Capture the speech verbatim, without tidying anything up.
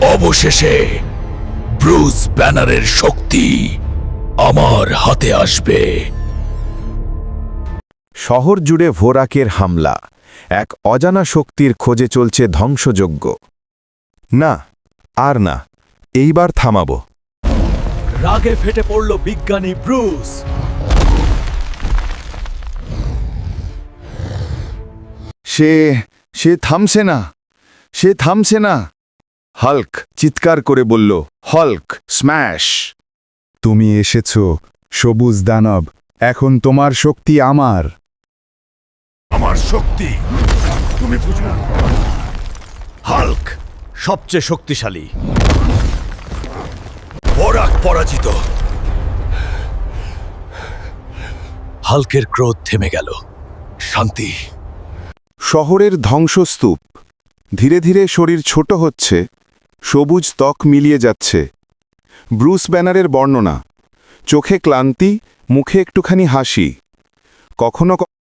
অবশেষে ব্রুস ব্যানারের শক্তি আমার হাতে আসবে। শহর জুড়ে ভোরাকের হামলা, এক অজানা শক্তির খোঁজে চলছে ধ্বংসযজ্ঞ। না, আর না, এইবার থামাব। রাগে ফেটে পড়ল বিজ্ঞানী ব্রুস। সে সে থামছে না, সে থামছে না। হাল্ক চিৎকার করে বলল, হল্ক স্ম্যাশ! তুমি এসেছ, সবুজ দানব। এখন তোমার শক্তি আমার। আমার শক্তি তুমি বুঝো না। হাল্ক সবচেয়ে শক্তিশালী। ভোরাক পরাজিত। হাল্কের ক্রোধ থেমে গেল। শান্তি। শহরের ধ্বংসস্তূপ। ধীরে ধীরে শরীর ছোট হচ্ছে, সবুজ ত্বক মিলিয়ে যাচ্ছে। ব্রুস ব্যানারের বর্ণনা, চোখে ক্লান্তি, মুখে একটুখানি হাসি। কখনো